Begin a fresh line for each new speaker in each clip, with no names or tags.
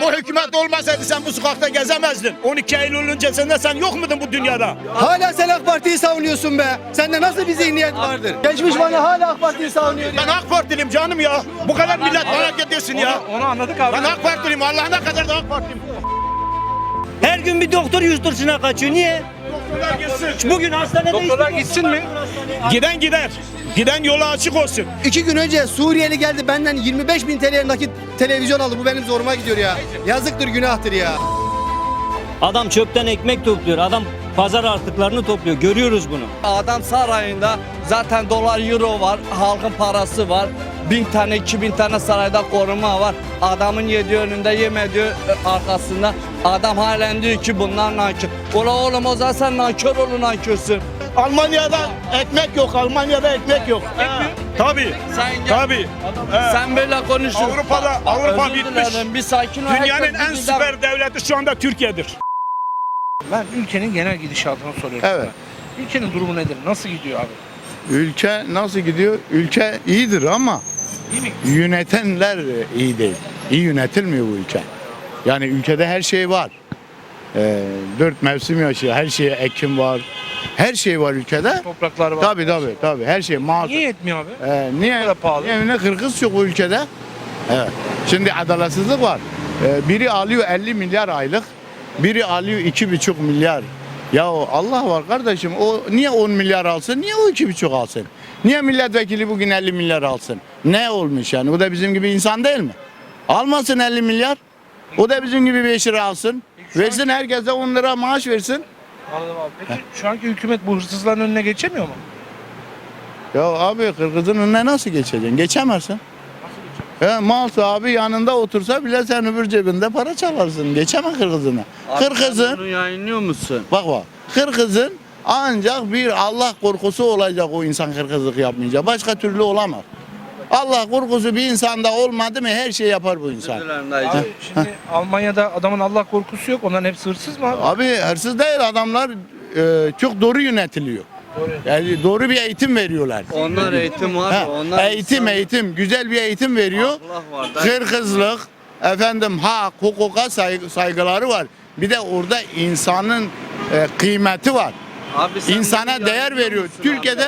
O hükümet olmasaydı sen bu sokakta gezemezdin. 12 Eylül öncesinde sen yok muydun bu dünyada?
Hala sen AK Parti'yi savunuyorsun be. Sende nasıl bir zihniyet vardır? Geçmiş bana hala AK Parti'yi savunuyor ya.
Ben AK Partiliyim canım ya. Bu kadar millet merak ediyorsun ya.
Onu anladık abi.
Ben AK Partiliyim. Allah'ına kadar da AK Partiliyim.
Her gün bir doktor yurt dışına kaçıyor. Niye?
Doktorlar gitsin.
Bugün hastanede
Doktorlar gitsin mi?
Giden gider. Giden yolu açık olsun.
2 gün önce Suriyeli geldi benden 25.000 TL nakit televizyon aldı. Bu benim zoruma gidiyor ya. Yazıktır, günahtır ya.
Adam çöpten ekmek topluyor. Adam pazar artıklarını topluyor. Görüyoruz bunu.
Adam sarayında zaten dolar euro var, halkın parası var. 1000 tane 2000 tane sarayda koruma var. Adamın yediği önünde yemediği arkasında. Adam halen diyor ki bunlar nankör. Ola oğlum o zaman sen nankör olun nankörsün.
Almanya'da ekmek yok. Almanya'da ekmek yok. Tabii.
Sen gel.
Tabii.
Sen böyle konuşuyorsun.
Avrupa
Özür
bitmiş.
dilerim, bir sakin ol.
Dünyanın
Herkes
en
bir
süper devleti şu anda Türkiye'dir.
Ben ülkenin genel gidişatını soruyorum.
Evet.
sana. Ülkenin durumu nedir? Nasıl gidiyor abi?
Ülke nasıl gidiyor? Ülke iyidir ama
İyi mi?
yönetenler iyi değil. İyi yönetilmiyor bu ülke. Yani ülkede her şey var. 4 mevsim yaşıyor. Her şeye ekim var. Her şey var ülkede.
Topraklar var.
Tabii. Her şey mağaza.
Niye yetmiyor abi?
Niye?
kadar pahalı?
Ne kırkız çok bu ülkede. Evet. Şimdi adaletsizlik var. Biri alıyor 50 milyar aylık. Biri alıyor 2,5 milyar. Ya Allah var kardeşim. O niye 10 milyar alsın? Niye o 2,5 alsın? Niye milletvekili bugün 50 milyar alsın? Ne olmuş yani? O da bizim gibi insan değil mi? Almasın 50 milyar. O da bizim gibi 5 lira alsın. Versin herkese 10 lira maaş versin.
Anladım abi. Peki şu anki hükümet bu hırsızların önüne geçemiyor mu?
Ya abi Kırgız'ın önüne nasıl geçeceksin? Geçemezsin. Mal sahibi yanında otursa bile sen öbür cebinde para çalarsın. Geçeme Kırgız'ını. Kırgız'ın
Bunu yayınlıyor musun?
bak Kırgız'ın ancak bir Allah korkusu olacak o insan kırgızlık yapmayacak. Başka türlü olamaz. Allah korkusu bir insanda olmadı mı her şey yapar bu insan.
Abi şimdi Almanya'da adamın Allah korkusu yok. Onların hepsi hırsız mı abi?
Abi hırsız değil adamlar çok doğru yönetiliyor. Yani doğru bir eğitim veriyorlar.
Onlar eğitim var.
Ha,
Onlar
eğitim güzel bir eğitim veriyor.
Allah var.
Kırgızlık efendim hak hukuka saygıları var. Bir de orada insanın kıymeti var.
Abi sen
İnsana
bunu
değer
yayınlıyor
veriyor.
musun
Türkiye'de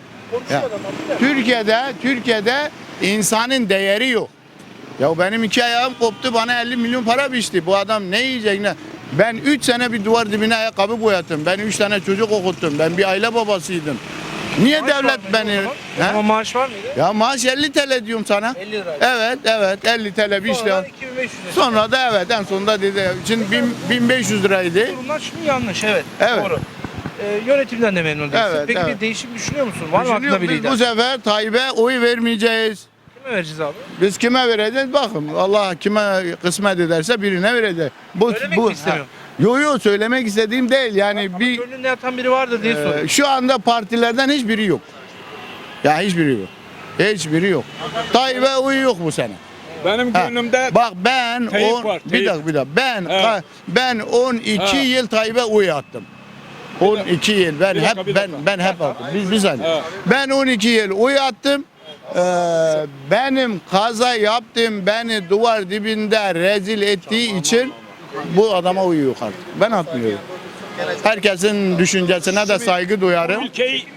Türkiye'de insanın değeri yok. Ya benim 2 ayağım koptu bana 50 milyon para biçti. Bu adam ne yiyecek ne? Ben 3 sene bir duvar dibine ayakkabı boyattım. Ben 3 tane çocuk okuttum. Ben bir aile babasıydım. Niye
Maaş var
devlet
mıydı
beni?
o zaman? O
He?
zaman maaş var mıydı?
Ya maaş 50 TL diyorum sana.
50 lira.
Evet 50 TL bir
Sonra
işte.
2500 lira.
Sonra da evet en sonunda dedi. Şimdi 1500 liraydı.
Durumlar şimdi yanlış evet.
Evet.
Doğru. Yönetimden de memnun değilsin.
Evet,
Peki
evet.
bir değişim düşünüyor musun? Var mı aklında
Düşünüyorum,
bir
biz
lider?
bu sefer Tayyip'e oy vermeyeceğiz.
Kime vereceğiz abi?
Biz kime vereceğiz? Bakın Allah kime kısmet ederse birine vereceğiz.
Söylemek mi istemiyorsun?
Yo söylemek istediğim değil. Yani
Ama
bir
gönlünde yatan biri vardır diye soruyorum.
şu anda partilerden hiçbiri yok. Ya hiçbiri yok. Hiçbiri yok. Tayyip'e oy yok bu sene.
Benim
Ha,
gönlümde
bak ben
Tayyip
on,
var,
bir
Tayyip.
dakika ben
Evet.
ben 12
Evet.
yıl Tayyip'e oy attım. 12 yıl ben
Bir dakika,
hep
bir
ben
dakika.
ben hep attım. Bir saniye.
Evet.
Ben 12 yıl oy attım. Benim kaza yaptım beni duvar dibinde rezil ettiği için bu adama oy yok artık. Ben atmıyorum. Herkesin düşüncesine de saygı duyarım.
ülkeyi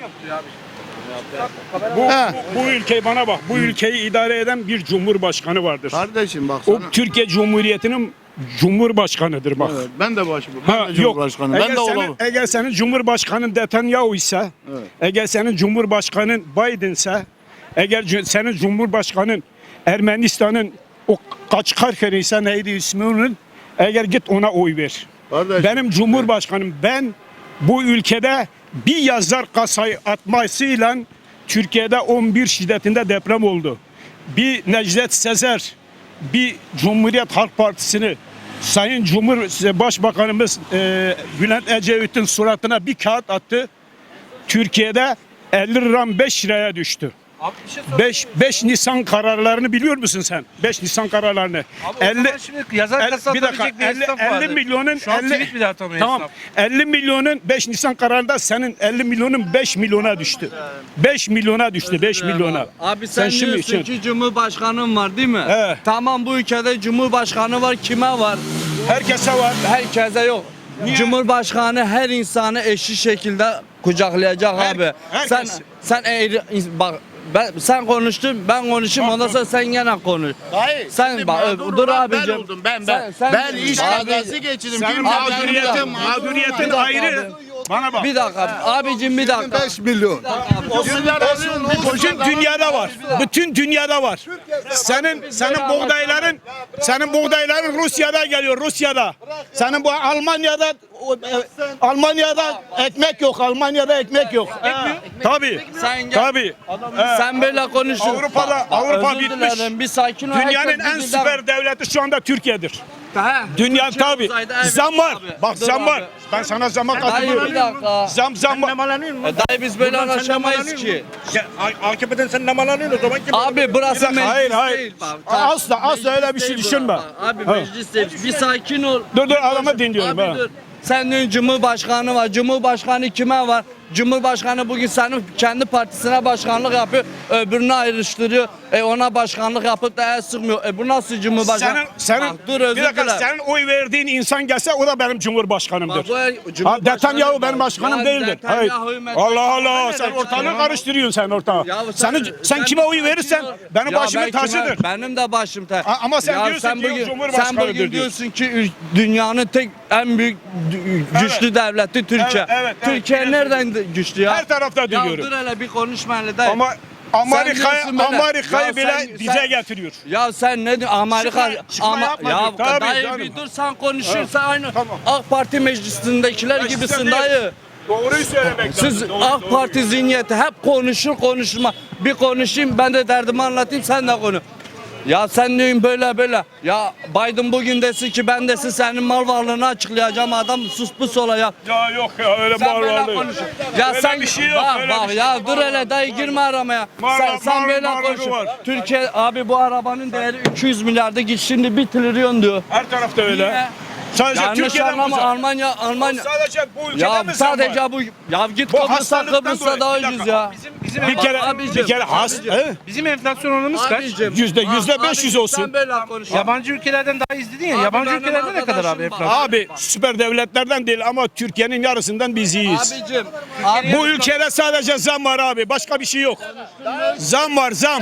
Ha.
bu ülkeyi bana bak. Bu ülkeyi idare eden bir cumhurbaşkanı vardır.
Kardeşim bak
O
sana.
Türkiye Cumhuriyeti'nin cumhurbaşkanıdır bak.
Evet, ben de ben
Ha,
de Cumhurbaşkanım. Ben de olamam.
Eğer senin Cumhurbaşkanın Netanyahu ise, eğer senin Cumhurbaşkanın Biden ise, eğer senin Cumhurbaşkanın Ermenistan'ın o Kaçkarkeri ise neydi ismi onun, eğer git ona oy ver.
Kardeşim.
Benim Cumhurbaşkanım ben bu ülkede bir yazar kasayı atmasıyla Türkiye'de 11 şiddetinde deprem oldu. Bir Necdet Sezer, bir Cumhuriyet Halk Partisi'ni Sayın Başbakanımız Bülent Ecevit'in suratına bir kağıt attı. Türkiye'de 50 liram 5 liraya düştü.
Abi bir şey sorayım.
5 Nisan kararlarını biliyor musun sen? 5 Nisan kararlarını.
Abi o zaman şimdi yazar kasa
bir dakika,
atabilecek bir esnaf
50
vardı.
milyonun
Şu an
50
tweet bile atamıyor
Tamam.
esnaf.
50 milyonun 5 Nisan kararında senin 50 milyonun 5 milyona düştü. 5 milyona düştü, 5 milyona.
Abi sen diyorsun ki Cumhurbaşkanın var değil mi?
Evet.
Tamam, bu ülkede Cumhurbaşkanı var, kime var?
Herkese var.
Herkese yok. Cumhurbaşkanı her insanı eşit şekilde kucaklayacak abi.
herkes.
Sen bak, sen konuştun, ben konuşayım, ondan sonra sen gene konuş.
Hayır.
Sen
şimdi
bak,
mağdur
dur
olan
abicim.
Ben oldum ben.
Sen-
Ben iş
Abi-
kazası geçirdim.
Senin
Bir
mağduriyetin,
mağduriyetim
mağduriyetin ayrı. Bana bak.
Bir dakika abicim, bir dakika.
5 milyon.
Bütün dünyada var. Bütün dünyada var. Senin buğdayların Rusya'da geliyor, Rusya'da. Senin bu Almanya'da ekmek yok. Almanya'da ekmek yok. Tabii.
Sen gel.
Tabii.
Sen böyle konuşun.
Avrupa
Özür
bitmiş.
dilerim, bir sakin ol.
Dünyanın
Herkes
en
bir
süper devleti şu anda Türkiye'dir.
He,
Dünya
Türkiye
tabii.
uzayda, evet
Zam var.
abi.
Bak
Dur
zam
abi.
var. Ben sana zama
Dayı bir
katılıyorum.
dakika.
Zam var.
Dayı biz böyle anlaşamayız ki.
AKP'den sen namalanıyorsun o zaman kim?
Abi burası meclis
Hayır.
değil. Bak.
Asla öyle bir şey
Değil
düşünme.
burası. Abi
Ha.
meclis değil. Bir sakin ol.
Dur adamı dinliyorum.
Abi
ha.
dur. Sen diyorsun Cumhurbaşkanı var. Cumhurbaşkanı kime var? Cumhurbaşkanı bugün senin kendi partisine başkanlık yapıyor. Öbürünü ayrıştırıyor. Ona başkanlık yapıp da el sıkmıyor. Bu nasıl Cumhurbaşkanı?
Senin
Bak, dur özür
bir dakika,
dilerim.
senin oy verdiğin insan gelse o da benim cumhurbaşkanımdır.
Bak, bu
Ha, Netanyahu benim
bak.
başkanım
Ya
değildir. Hayır.
Netanyahu,
Allah Allah, sen ortalığı karıştırıyorsun sen ortalığı.
Ya
Sen kime oy verirsen benim
Ya
başımın
ben kime-
tacıdır.
Benim de başım tacı.
Ama sen diyorsun ki Cumhurbaşkanıdır
Sen bugün
diyorsun.
diyorsun ki dünyanın tek en büyük güçlü devleti Türkiye.
Evet,
Türkiye nereden güçlü ya?
Her tarafta
Ya
duyuyorum.
dur hele bir konuşma hele dayı.
Ama
diyorsun böyle.
Amerika'yı
Ya
bile
sen-
bize
sen-
getiriyor.
Ya sen ne diyorsun? Amerika
Çıkma yapma
ya
diyor. Tabii
dayı
canım.
bir dur, sen konuşursan
Evet,
aynı
tamam.
AK Parti meclisindekiler
Mecliste
gibisin
değil.
dayı.
Doğruyu söylemek
Siz
lazım. Doğru,
AK
doğru.
Parti zihniyeti hep konuşma. Bir konuşayım, ben de derdimi anlatayım, sen de konuş. Ya sen diyorsun böyle. Ya Biden bugün desin ki ben desin senin mal varlığını açıklayacağım, adam sus pus olacak.
Ya yok ya öyle
Sen böyle
bağırıyor.
konuş. Ya
Öyle
sen
bir şey yok,
bak
öyle
bak
bir şey
ya
yok.
dur hele dayı, girme aramaya.
Mal-
Sen
mal-
böyle
mal-
konuş.
var.
Türkiye abi bu arabanın değeri 200 milyarda git şimdi 1 trilyon diyor.
Her tarafta öyle.
Niye?
Sadece
Yanlış
Türkiye'den
anlama,
uzak.
Almanya.
Sadece bu ülkede
Ya
mi zam var?
sadece bu ya git
Bu
Kıbrıs'a
hastalıktan dolayı.
daha
Bir dakika.
ucuz ya.
Bizim
Bir kere
bizim enflasyon oranımız kaç?
Abicim,
%500
abi,
olsun.
Sen böyle konuş.
Yabancı ülkelerden daha izledin ya.
Abi
Yabancı
benim
ülkelerde ne kadar abi
arkadaşım var.
enflasyon?
Abi süper devletlerden değil ama Türkiye'nin yarısından biz iyiyiz.
Abicim.
Bu ülkede sadece zam var abi. Başka bir şey yok. Zam var zam.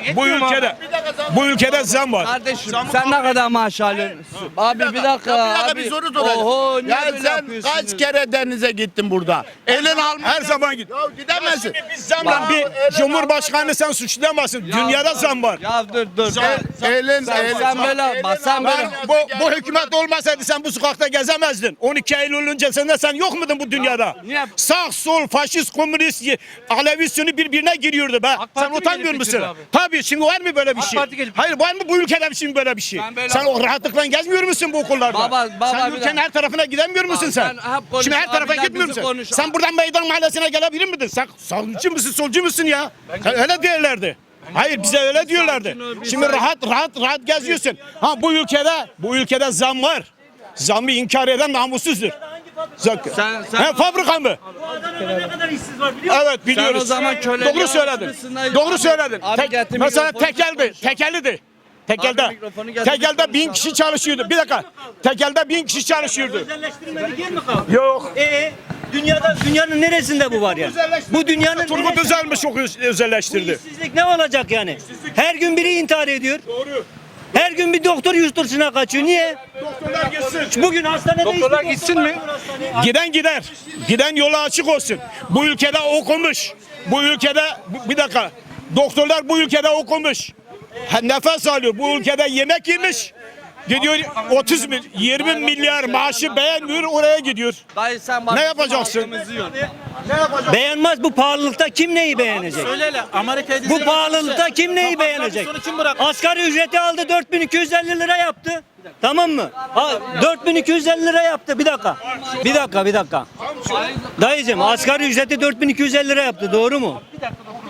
Bu ülkede zam var.
Kardeşim sen ne kadar maaş alıyorsun? Abi bir dakika.
Bir
Abi.
soru soracağım.
Oho, niye
Ya
böyle
sen
yapıyorsunuz?
kaç kere denize gittin burada? Elin alma.
Her zaman git.
Ya gidemezsin.
Biz zamla bir cumhurbaşkanı sen suçlayamazsın. Dünyada zam var.
Ya dur.
Elin
Sen böyle bak sen böyle.
Bu hükümet olmasaydı sen bu sokakta gezemezdin. 12 Eylül öncesinde sen yok muydun bu dünyada?
Niye?
Sağ, sol, faşist, komünist, Alevi, Sünni birbirine giriyordu be.
AK
Sen
Parti mi
utanmıyor
gelip
musun?
getiriyor abi?
Tabii şimdi var mı böyle bir
AK
şey?
Parti gelip
Hayır var mı bu ülkede şimdi böyle bir şey?
Ben böyle-
Sen o rahatlıkla gezmiyor musun bu okullarda?
Baba,
sen
bir
ülkenin
dakika.
her tarafına gidemiyor musun sen?
sen hep konuş,
Şimdi her tarafa
abiler
gitmiyor
bizi
musun?
konuş.
Sen buradan meydan mahallesine gelebilir miydin? Sen sağcı mısın, solcu musun ya? Sen öyle diyorlardı. Hayır bize öyle diyorlardı.
sakin ol, bir
Şimdi
sakin.
rahat geziyorsun. Ha bu ülkede zam var. Zamı inkar eden namussuzdur.
Sen-
He, fabrika mı?
Ne kadar işsiz var biliyor musun?
Evet biliyoruz.
Sen o zaman köle
Doğru söyledin.
yapmışsın.
Doğru
Abi-
söyledin.
abi getir
Mesela
mikrofonu,
tekeldi. Tekelliydi. Tekelde.
Abi mikrofonu getir,
Tekelde 1000 kişi çalışıyordu. Bir dakika. Tekelde 1000 kişi çalışıyordu.
Özelleştirilmedik yer mi kaldı?
Yok.
Dünyanın neresinde bu var ya? Bu dünyanın
Turgut
neresinde?
Özal mı çok
Bu
özelleştirdi?
işsizlik ne olacak yani? Her gün biri intihar ediyor.
Doğru.
Her gün bir doktor yurt dışına kaçıyor. Niye?
Doktorlar gitsin.
Bugün hastanede
Doktorlar
hiçbir
gitsin
doktor
mi?
bakmıyor hastaneye.
Giden gider. Giden yolu açık olsun. Bu ülkede okumuş. Bu ülkede bir dakika. Doktorlar bu ülkede okumuş. Nefes alıyor. Bu ülkede yemek yemiş. Gidiyor 20 milyar maaşı beğenmiyor oraya gidiyor.
Dayı sen bak.
Ne
bizim
yapacaksın?
hakkımızı yiyorsun.
Beğenmez bu pahalılıkta kim neyi beğenecek? Bu pahalılıkta kim neyi beğenecek? Asgari ücreti aldı 4250 lira yaptı. Tamam mı? 4250 lira yaptı. Bir dakika. Dayıcım asgari ücreti 4250 lira yaptı. Doğru mu?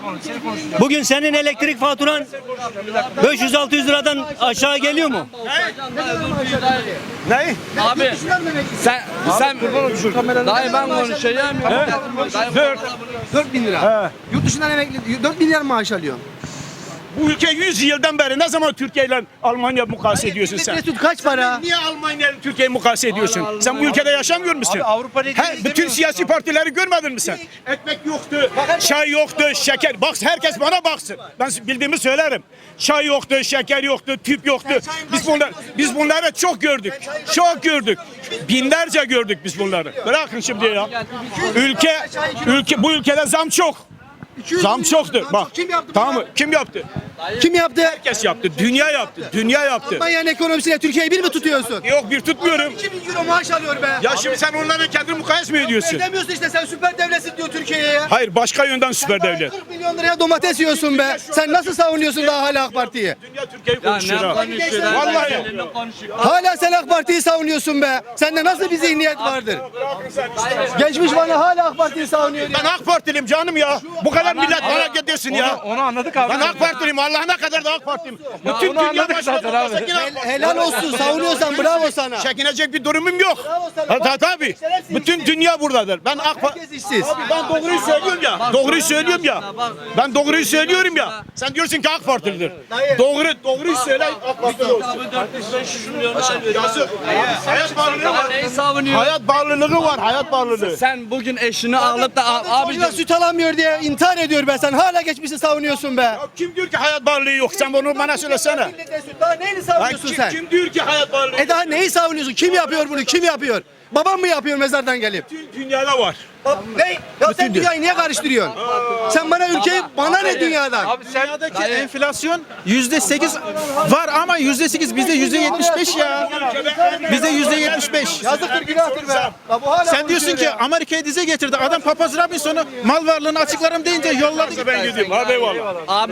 Bugün senin elektrik faturan 500-600 liradan aşağı geliyor mu?
Ne?
Abi sen dayı ben konuşacağım ya. Dayı-
4.000 lira. Yurt dışından emekli 4 milyar maaş alıyor.
Bu ülke 100 yıldan beri ne zaman Türkiye ile Almanya mukayese ediyorsun sen?
Mesut kaç para?
Niye Almanya ile Türkiye'yi mukayese ediyorsun? Sen bu ülkede yaşamıyor musun?
Abi Avrupa Ligi'ni
Bütün
izlemiyorsun
siyasi partileri görmedin mi sen? Ekmek yoktu, çay yoktu, şeker. Bak herkes bana baksın. Ben bildiğimi söylerim. Çay yoktu, şeker yoktu, tüp yoktu. Biz bunları çok gördük. Çok gördük. Binlerce gördük biz bunları. Bırakın şimdi ya. Bu ülkede zam çok. Zam çoktu. Bak.
Kim yaptı?
Tamam mı? Kim yaptı?
Kim yaptı?
Herkes yaptı. Dünya yaptı. Dünya yaptı.
Almanya'nın ekonomisiyle Türkiye'yi bir mi tutuyorsun?
Yok bir tutmuyorum.
2000 euro maaş alıyor be.
Ya şimdi sen onlarla kendini mukayese mi ediyorsun?
Demiyorsun işte sen süper devletsin diyor Türkiye'ye ya.
Hayır başka yönden süper devlet.
40 milyon liraya domates yiyorsun be. Sen nasıl savunuyorsun daha hala AK Parti'yi?
Dünya Türkiye'yi
Ya
konuşuyor
ne
ha.
konuşuyor lan?
Vallahi.
Ne konuşuyor?
Hala sen AK Parti'yi savunuyorsun be. Sende nasıl bir zihniyet vardır?
Bırakın sen işte.
Geçmiş bana hala AK Parti'yi savunuyor ya.
Ben AK Partiliyim canım ya. Bu kadar millet bana gidiyorsun ya.
Onu anladık abi.
Ben AK Partiliyim. Allah'ına kadar da AK Partiliyim. Bütün
onu
dünya
anladık
başına
zaten abi.
baksa yine AK Parti.
Helal olsun savunuyorsan bravo sana.
Çekinecek bir durumum yok.
Bravo sana.
Tabii. Bütün dünya buradadır. Ben AK Parti.
Herkes işsiz.
Ben doğruyu söylüyorum ya. Doğruyu söylüyorum ya. Ben doğruyu söylüyorum ya. Sen diyorsun ki AK Partilidir. Doğruyu söyle AK Partili olsun. Yazık. Hayat bağlılığı var.
Neyi savunuyor?
Hayat bağlılığı var. Hayat bağlılığı.
Sen bugün eşini alıp da
Abi süt alamıyor diye intihar ediyor be sen. Hala geçmişi savunuyorsun be.
Ya kim diyor ki hayat bağlılığı yok? Sen bunu bana söylesene.
Millete süt daha neyini
Lan
savunuyorsun sen?
kim diyor ki hayat bağlılığı?
Daha neyi savunuyorsun? Kim yapıyor bunu? Kim yapıyor? Babam mı yapıyor mezardan gelip?
Bütün dünyada var.
Ne? Ya sen dünyayı niye karıştırıyorsun? Sen bana ülkeyi, bana ne dünyadan?
Abi sen
Dünyadaki enflasyon %8 var ama %8 bizde %75 ya. Bizde %75.
Yazıktır günahtır be. Ya bu hala
Sen diyorsun ki Amerika'ya dize getirdi. Adam Papaz Robinson'u mal varlığını açıklarım deyince yolladı.
Ben gidiyorum. Hadi eyvallah.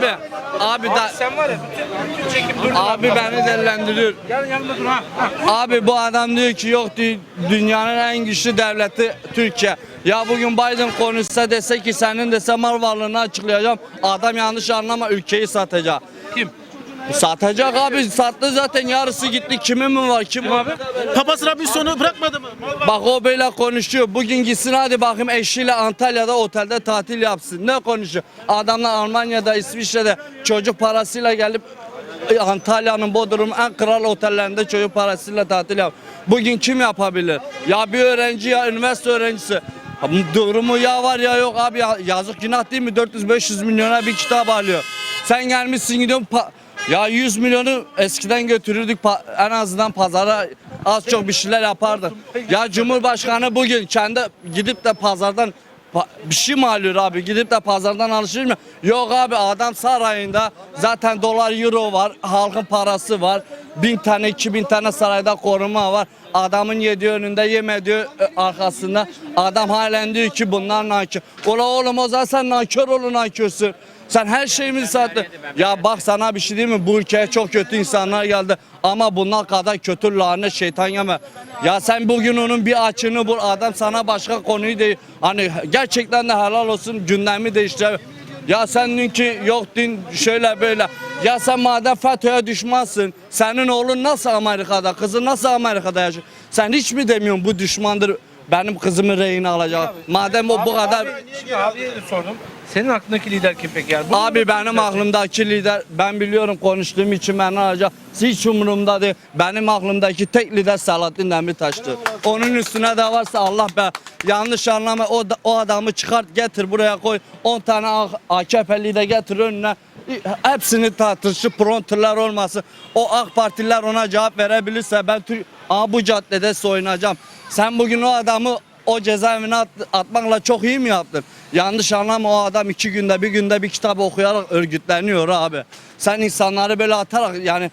abi da
sen var ya bütün çekim dur.
abi beni delilendiriyor.
Gel yanımda dur ha.
Abi bu adam diyor ki yok diyor, dünyanın en güçlü devleti Türkiye. Ya bugün Biden konuşsa dese ki senin dese mal varlığını açıklayacağım. Adam yanlış anlama ülkeyi satacak.
Kim?
Satacak abi sattı zaten yarısı gitti kimin mi var kim abi?
Papaz Robinson'u bırakmadı mı?
Bak o böyle konuşuyor. Bugün gitsin hadi bakayım eşiyle Antalya'da otelde tatil yapsın. Ne konuşuyor? Adamlar Almanya'da İsviçre'de çocuk parasıyla gelip Antalya'nın Bodrum en kral otellerinde çocuk parasıyla tatil yap. Bugün kim yapabilir? Ya bir öğrenci ya üniversite öğrencisi. Durumu ya var ya yok abi ya, yazık günah değil mi? 400-500 milyona bir kitap alıyor. Sen gelmişsin gidiyorsun ya 100 milyonu eskiden götürürdük en azından pazara az çok bir şeyler yapardı. Ya Cumhurbaşkanı bugün kendi gidip de pazardan bir şey mi alıyor abi? Gidip de pazardan alışır mı? Yok abi adam sarayında zaten dolar euro var. Halkın parası var. 1000 tane 2000 tane sarayda koruma var. Adamın yediği önünde yemediği arkasında. Adam halen diyor ki bunlar nankör. Ola oğlum o zaman sen nankör olun nankörsün. Sen her şeyimizi sattın. Ya bak sana bir şey diyeyim mi? Bu ülkeye çok kötü insanlar geldi. Ama bunlar kadar kötü lanet şeytan yeme. Ya sen bugün onun bir açığını bul. Adam sana başka konuyu değil. Hani gerçekten de helal olsun gündemi değiştir. Ya sen dün ki yok dün şöyle böyle. Ya sen madem FETÖ'ye düşmansın. Senin oğlun nasıl Amerika'da? Kızın nasıl Amerika'da yaşıyor? Sen hiç mi demiyorsun bu düşmandır? Benim kızımı rehin alacak. Madem o bu kadar...
Abiye de sordum. Senin aklındaki lider kim peki yani?
Abi benim aklımdaki lider ben biliyorum konuştuğum için beni alacak. Hiç umurumda değil. Benim aklımdaki tek lider Selahattin Demirtaş'tı. Onun üstüne de varsa Allah be yanlış anlama o adamı çıkart getir buraya koy. 10 tane AKP'li de getir önüne. Hepsini tartışıp pronterler olmasın. O AK Partililer ona cevap verebilirse ben bu caddede soyunacağım. Sen bugün o adamı o cezaevine atmakla çok iyi mi yaptın? Yanlış anlama o adam 2 günde bir günde bir kitap okuyarak örgütleniyor abi. Sen insanları böyle atarak yani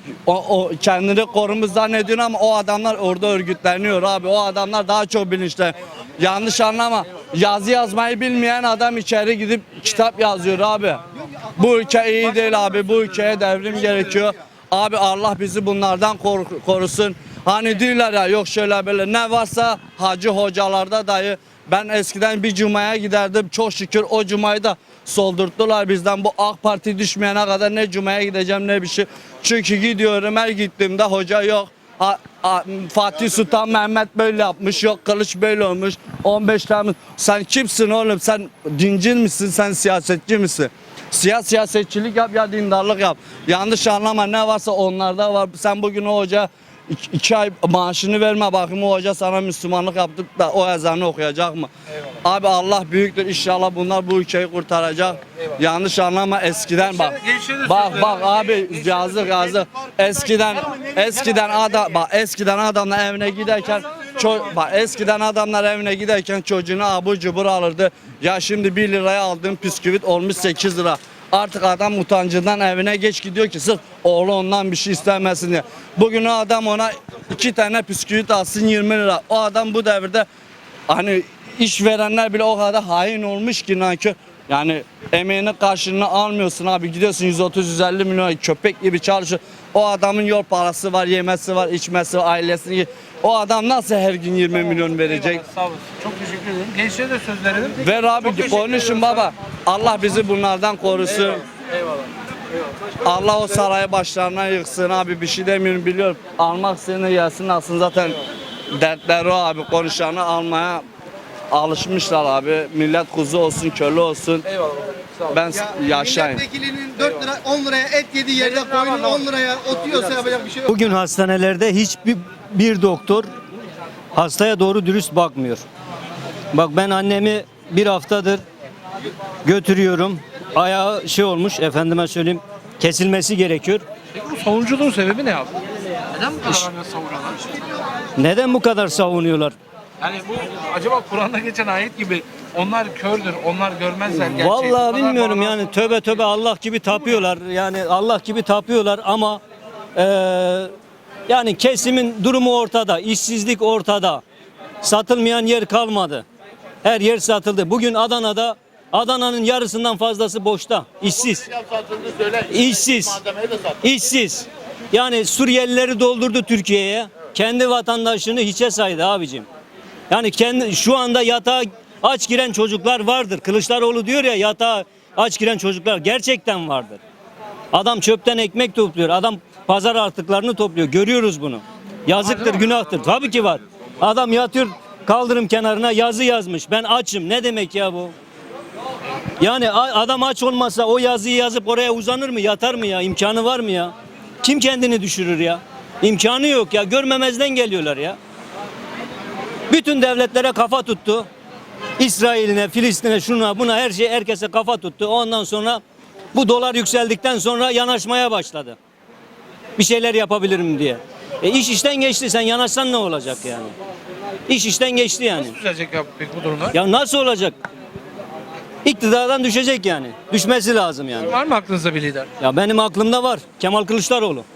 o kendini korumuz zannediyorsun ama o adamlar orada örgütleniyor abi. O adamlar daha çok bilinçli. Yanlış anlama. Yazı yazmayı bilmeyen adam içeri gidip kitap yazıyor abi. Bu ülke iyi değil abi. Bu ülkeye devrim gerekiyor. Abi Allah bizi bunlardan korusun. Hani diyorlar ya yok şöyle böyle ne varsa hacı hocalarda dayı. Ben eskiden bir cumaya giderdim. Çok şükür o cumayı da soldurttular bizden. Bu AK Parti düşmeyene kadar ne cumaya gideceğim ne bir şey. Çünkü gidiyorum, her gittiğimde hoca yok. Fatih Sultan Mehmet böyle yapmış, yok Kılıç böyle olmuş. 15 Temmuz. Sen kimsin oğlum? Sen dincil misin? Sen siyasetçi misin? Siyasetçilik yap ya dindarlık yap. Yanlış anlama, ne varsa onlarda var. Sen bugün o hoca 2 ay maaşını verme, bakayım o hoca sana Müslümanlık yaptı da o ezanı okuyacak mı? Eyvallah. Abi Allah büyüktür, inşallah bunlar bu ülkeyi kurtaracak. Eyvallah. Yanlış anlama, eskiden bak. Bak abi, yazık. Eskiden adamlar evine giderken evine giderken çocuğunu abur cubur alırdı. Ya şimdi 1 liraya aldığın bisküvit olmuş 8 lira. Artık adam utancından evine geç gidiyor ki sırf oğlu ondan bir şey istemesin diye. Bugün o adam ona 2 tane bisküvit alsın 20 lira. O adam bu devirde hani işverenler bile o kadar hain olmuş ki nankör. Yani emeğinin karşılığını almıyorsun abi, gidiyorsun 130-150 milyon köpek gibi çalışıyor. O adamın yol parası var, yemesi var, içmesi var, ailesini. O adam nasıl her gün 20 milyon verecek?
Eyvallah, sağ olasın. Çok teşekkür ederim. Gençlere de söz verelim.
Ver abi, konuşun baba. Allah bizi bunlardan korusun.
Eyvallah.
Allah o sarayı başlarına yıksın abi, bir şey demiyorum, biliyorum. Almak seni gelsin alsın, zaten dertleri o abi, konuşanı almaya alışmışlar abi. Millet kuzu olsun, köle olsun.
Eyvallah. Sağ ol.
Ben yaşayayım.
Milletvekilinin 4 lira 10 liraya et yediği yerde koyunun 10 liraya ot yiyorsa yapacak bir şey yok.
Bugün hastanelerde hiçbir doktor hastaya doğru dürüst bakmıyor. Bak ben annemi bir haftadır götürüyorum. Ayağı olmuş, efendime söyleyeyim, kesilmesi gerekiyor.
Peki bu savunuculuğun sebebi ne abi? Neden bu kadar savunuyorlar?
Neden bu kadar savunuyorlar?
Yani bu acaba Kur'an'da geçen ayet gibi onlar kördür, onlar görmezler gerçeği.
Vallahi bilmiyorum yani, tövbe Allah gibi tapıyorlar. Yani Allah gibi tapıyorlar ama yani kesimin durumu ortada, işsizlik ortada. Satılmayan yer kalmadı. Her yer satıldı. Bugün Adana'nın yarısından fazlası boşta. İşsiz. Yani Suriyelileri doldurdu Türkiye'ye. Kendi vatandaşını hiçe saydı abicim. Yani şu anda yatağa aç giren çocuklar vardır. Kılıçdaroğlu diyor ya, yatağa aç giren çocuklar gerçekten vardır. Adam çöpten ekmek topluyor. Adam pazar artıklarını topluyor. Görüyoruz bunu. Yazıktır, günahtır. Tabii ki var. Adam yatıyor kaldırım kenarına, yazı yazmış. Ben açım. Ne demek ya bu? Yani adam aç olmasa o yazıyı yazıp oraya uzanır mı? Yatar mı ya? İmkanı var mı ya? Kim kendini düşürür ya? İmkanı yok ya. Görmemezden geliyorlar ya. Bütün devletlere kafa tuttu. İsrail'ine, Filistin'e, şuna buna, her şey, herkese kafa tuttu. Ondan sonra bu dolar yükseldikten sonra yanaşmaya başladı. Bir şeyler yapabilirim diye. İş işten geçti. Sen yanaşsan ne olacak yani? İş işten geçti yani.
Nasıl düzelecek abi peki bu durumlar?
Ya nasıl olacak? İktidardan düşecek yani. Düşmesi lazım yani.
Var mı aklınızda bir lider?
Ya benim aklımda var. Kemal Kılıçdaroğlu.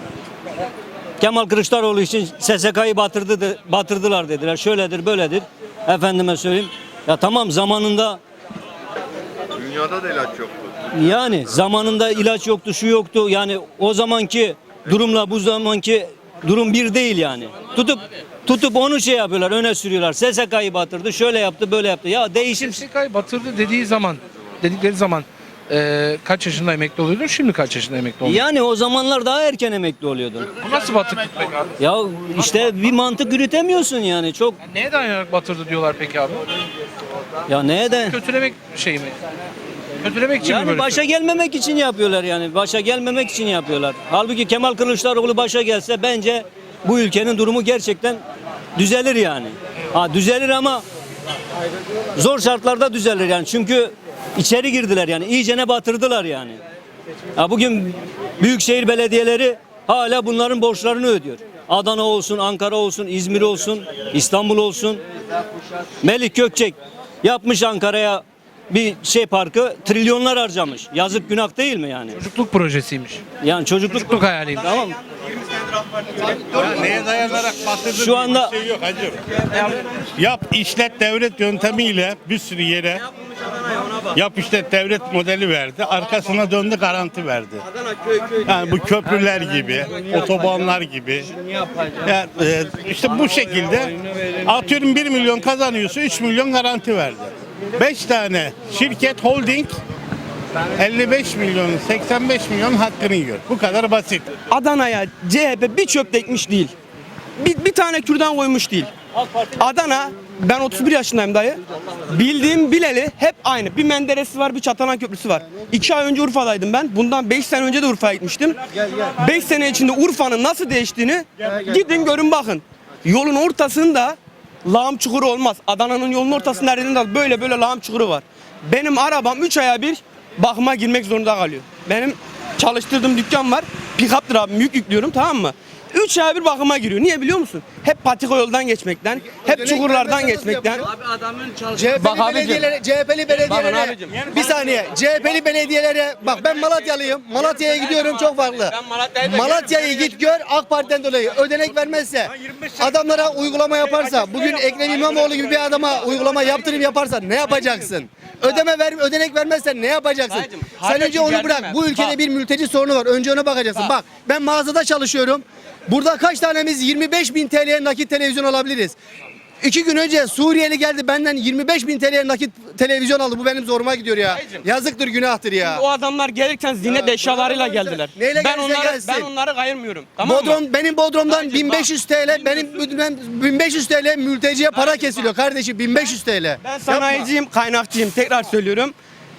Kemal Kılıçdaroğlu için SSK'yı batırdılar dediler. Şöyledir, böyledir. Efendime söyleyeyim. Ya tamam, zamanında
Dünyada da ilaç yoktu.
yani zamanında ilaç yoktu, şu yoktu. Yani o zamanki durumla bu zamanki durum bir değil yani. Tutup onu şey yapıyorlar, öne sürüyorlar. SSK'yı batırdı, şöyle yaptı, böyle yaptı. Ya değişim.
SSK'yı batırdı dedikleri zaman kaç yaşında emekli oluyordun? Şimdi kaç yaşında emekli oldun?
Yani o zamanlar daha erken emekli oluyordun.
Bu nasıl batıklık peki abi?
Ya işte bir mantık yürütemiyorsun yani. Çok
Yani neye dayanarak batırdı diyorlar peki abi?
ya neden?
Kötülemek şey mi? Kötülemek için mi
Yani
böyle?
başa gelmemek için yapıyorlar yani. Başa gelmemek için yapıyorlar. Halbuki Kemal Kılıçdaroğlu başa gelse bence bu ülkenin durumu gerçekten düzelir yani. Ha düzelir ama zor şartlarda düzelir yani. Çünkü içeri girdiler yani. İyicene batırdılar yani. Ha bugün büyükşehir belediyeleri hala bunların borçlarını ödüyor. Adana olsun, Ankara olsun, İzmir olsun, İstanbul olsun. Melik Gökçek yapmış Ankara'ya bir parkı, trilyonlar harcamış. Yazık, günah değil mi yani?
Çocukluk projesiymiş.
Yani
Çocukluk hayaliymiş.
Tamam.
Neye dayanarak batırdın?
Şu anda
Yap işlet devlet yöntemiyle bir sürü yere
Yap işte devlet modeli verdi. Arkasına döndü garanti verdi. Yani bu köprüler gibi, otobanlar gibi. Yani, işte bu şekilde atıyorum 1 milyon kazanıyorsa 3 milyon garanti verdi. 5 tane şirket holding 55 milyonun 85 milyon hakkını yiyor. Bu kadar basit.
Adana'ya CHP bir çöp ekmiş değil. Bir tane kürdan koymuş değil. Adana, ben 31 yaşındayım dayı. Bildiğim bileli hep aynı. Bir Menderes'i var, bir Çatalan Köprüsü var. 2 ay önce Urfa'daydım ben. Bundan 5 sene önce de Urfa'ya gitmiştim. 5 sene içinde Urfa'nın nasıl değiştiğini gidin görün bakın. Yolun ortasında lağım çukuru olmaz. Adana'nın yolun ortasında nereden böyle lağım çukuru var. Benim arabam 3 aya bir bakıma girmek zorunda kalıyor. Benim çalıştırdığım dükkan var. Pick-up'tır abi, yük yüklüyorum, tamam mı? 3 ay bir bakıma giriyor. Niye biliyor musun? Hep patika yoldan geçmekten, hep çukurlardan geçmekten.
Abi adamın
CHP'li belediyelere bir saniye. CHP'li belediyelere bak, ben Malatyalıyım. Malatya'ya gidiyorum, çok farklı. Malatya'yı git gör, AK Parti'den dolayı ödenek vermezse, adamlara uygulama yaparsa, bugün Ekrem İmamoğlu gibi bir adama uygulama yaptırım yaparsa ne yapacaksın? Ödenek vermezsen ne yapacaksın? Sen önce onu bırak. Bu ülkede bir mülteci sorunu var. Önce ona bakacaksın. Bak, ben mağazada çalışıyorum. Burada kaç tanemiz 25.000 TL'ye nakit televizyon alabiliriz? 2 gün önce Suriyeli geldi, benden 25.000 TL'ye nakit televizyon aldı. Bu benim zoruma gidiyor ya. Yazıktır, günahtır ya.
O adamlar gelirken ziynet eşyalarıyla geldiler.
Neyle
Ben onları kayırmıyorum. Tamam mı?
Benim Bodrum'dan 1500 TL, benim 1500 TL mülteciye para kesiliyor kardeşim, 1500 TL.
Ben sanayiciyim, kaynakçıyım. Tekrar söylüyorum.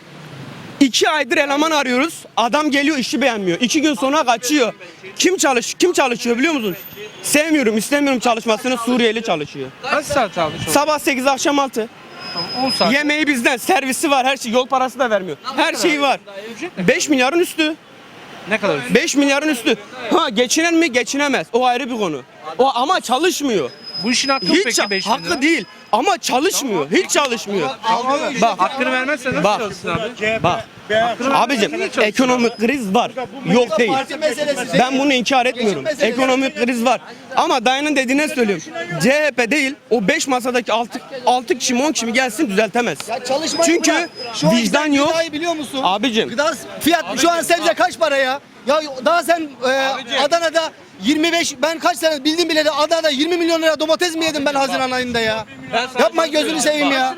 2 aydır eleman arıyoruz. Adam geliyor, işi beğenmiyor. 2 gün sonra kaçıyor. Kim çalışıyor biliyor musunuz? Sevmiyorum, istemiyorum çalışmasını. Suriyeli çalışıyor.
Kaç saat çalışıyor?
Sabah 8 akşam 6.
10 saat.
Yemeği bizden, servisi var, her şey, yol parası da vermiyor. Her şeyi var. 5 milyarın üstü.
Ne kadar?
5 milyarın üstü. Ha, geçinen mi? Geçinemez. O ayrı bir konu. O ama çalışmıyor.
Bu işin hakkı mı
Hiç
peki 5 bin lira?
hakkı değil ama çalışmıyor. Hiç çalışmıyor. Bak,
Hakkını vermezse nasıl
Bak.
çalışsın abi?
bak. Abicim, ekonomik kriz var. Yok değil. Ben bunu inkar etmiyorum. Ekonomik kriz var. Ama dayının dediğine söylüyorum. CHP değil, o 5 masadaki 6 kişi mi 10 kişi mi gelsin düzeltemez. Çünkü vicdan yok.
Biliyor musun?
Abicim.
Gıda fiyat şu an sebze kaç para ya? Ya daha sen Adana'da 25, ben kaç sene bildim bile de Adana'da 20 milyon lira domates mi yedim ben Haziran ayında ya? Yapma, gözünü seveyim ya.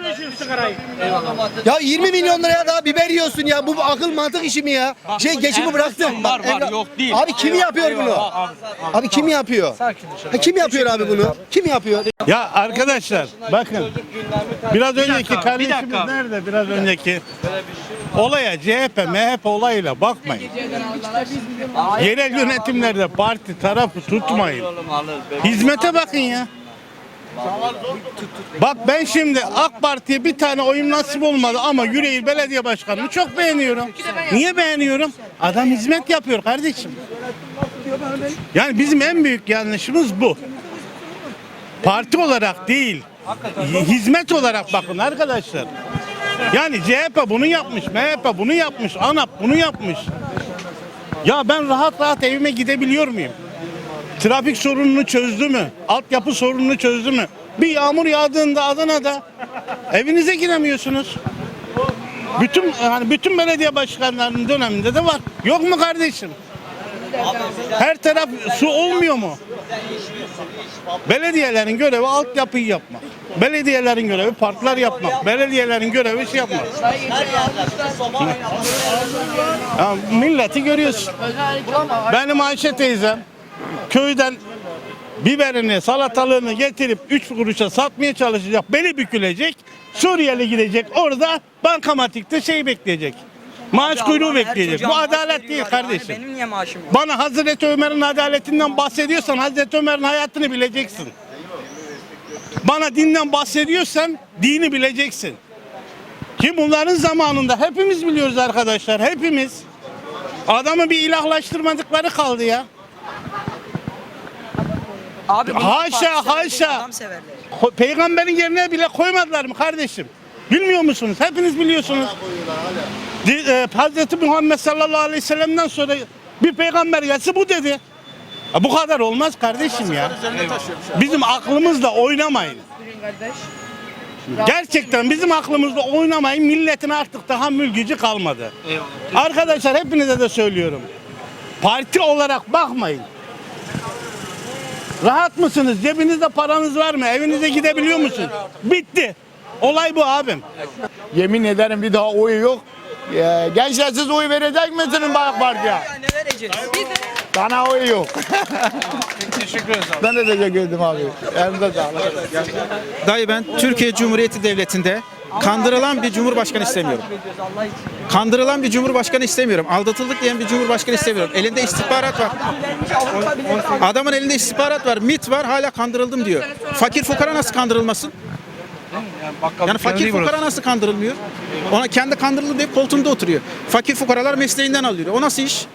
Ya 20 milyon liraya daha biber yiyorsun ya. Bu akıl mantık işi mi ya? Geçimi bıraktım.
Var, yok değil.
Abi kim yapıyor bunu? Abi kim yapıyor? Kim yapıyor abi bunu? Kim yapıyor?
Ya arkadaşlar bakın, biraz önceki kardeşimiz nerede, biraz önceki olaya CHP, MHP olayıyla bakmayın. Yerel yönetimlerde parti tarafı tutmayın. Hizmete bakın ya. Bak ben şimdi AK Parti'ye bir tane oyum nasip olmadı ama Yüreğir Belediye Başkanı'nı çok beğeniyorum. Niye beğeniyorum? Adam hizmet yapıyor kardeşim. Yani bizim en büyük yanlışımız bu. Parti olarak değil, hizmet olarak bakın arkadaşlar. Yani CHP bunu yapmış, MHP bunu yapmış, ANAP bunu yapmış. Ya ben rahat evime gidebiliyor muyum? Trafik sorununu çözdü mü? Altyapı sorununu çözdü mü? Bir yağmur yağdığında Adana'da evinize giremiyorsunuz. Bütün belediye başkanlarının döneminde de var. Yok mu kardeşim? Her taraf su olmuyor mu? Belediyelerin görevi altyapıyı yapmak. Belediyelerin görevi parklar yapmak. Belediyelerin görevi şey yapmak. Ya milleti görüyorsun. Benim Ayşe teyzem köyden biberini, salatalığını getirip 3 kuruşa satmaya çalışacak. Beli bükülecek. Suriyeli gidecek. Orada bankamatikte bekleyecek. Maaş kuyruğu bekleyecek. Bu adalet değil kardeşim.
Benim niye maaşım yok?
Bana Hazreti Ömer'in adaletinden bahsediyorsan Hazreti Ömer'in hayatını bileceksin. Bana dinden bahsediyorsan dini bileceksin. Ki bunların zamanında hepimiz biliyoruz arkadaşlar. Hepimiz. Adamı bir ilahlaştırmadıkları kaldı ya.
Abi
Haşa. Peygamberin yerine bile koymadılar mı kardeşim? Bilmiyor musunuz? Hepiniz biliyorsunuz. Hazreti Muhammed sallallahu aleyhi ve sellem'den sonra bir peygamber gelse bu dedi. Bu kadar olmaz kardeşim ya. Bizim aklımızla oynamayın. Gerçekten bizim aklımızda oynamayın, milletin artık tahammül gücü kalmadı. Arkadaşlar hepinize de söylüyorum. Parti olarak bakmayın. Rahat mısınız? Cebinizde paranız var mı? Evinize gidebiliyor musunuz? Bitti. Olay bu abim.
Yemin ederim bir daha oy yok. Gençler siz oy verecek misiniz AK Parti'ye?
Ne vereceğiz?
Bana oy yok.
Teşekkür ederiz abi.
Ben de teşekkür ederim abi. Elinize sağlık.
Dayı ben Türkiye Cumhuriyeti Devleti'nde kandırılan bir cumhurbaşkanı istemiyorum. Kandırılan bir cumhurbaşkanı istemiyorum. Aldatıldık diyen bir cumhurbaşkanı istemiyorum. Elinde istihbarat var. Adamın elinde istihbarat var, MİT var, hala kandırıldım diyor. Fakir fukara nasıl kandırılmasın? Yani fakir fukara nasıl kandırılmıyor? Ona kendi kandırıldı diye koltuğunda oturuyor. Fakir fukaralar mesleğinden alıyor. O nasıl iş?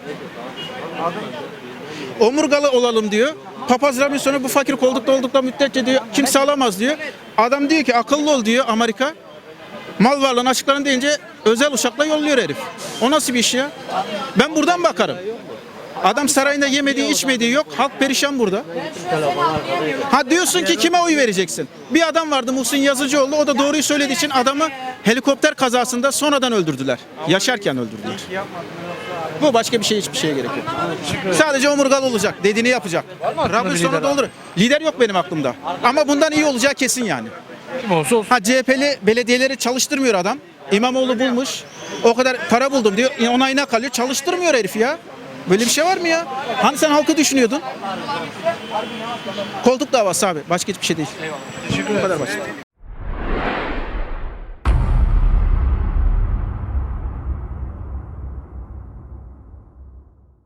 Omurgalı olalım diyor. Papaz Robinson'u bu fakir koltukta oldukta müddetçe diyor kimse alamaz diyor. Adam diyor ki akıllı ol diyor Amerika. Mal varlığını açıklarını deyince özel uçakla yolluyor herif. O nasıl bir iş ya? Ben buradan bakarım. Adam sarayında yemediği içmediği yok. Halk perişan burada. Ha diyorsun ki kime oy vereceksin? Bir adam vardı Muhsin Yazıcıoğlu. O da doğruyu söylediği için adamı helikopter kazasında sonradan öldürdüler. Yaşarken öldürdüler. Bu başka bir şey, hiçbir şeye gerek yok. Sadece omurgalı olacak. Dediğini yapacak. Rabbim sonra da olur. Lider yok benim aklımda. Ama bundan iyi olacağı kesin yani.
Kim olsa olsun.
Ha CHP'li belediyeleri çalıştırmıyor adam. İmamoğlu bulmuş. O kadar para buldum diyor. Onayına kalıyor. Çalıştırmıyor herif ya. Böyle bir şey var mı ya? Hani sen halkı düşünüyordun? Koltuk davası abi. Başka hiçbir şey değil. Bu kadar basit.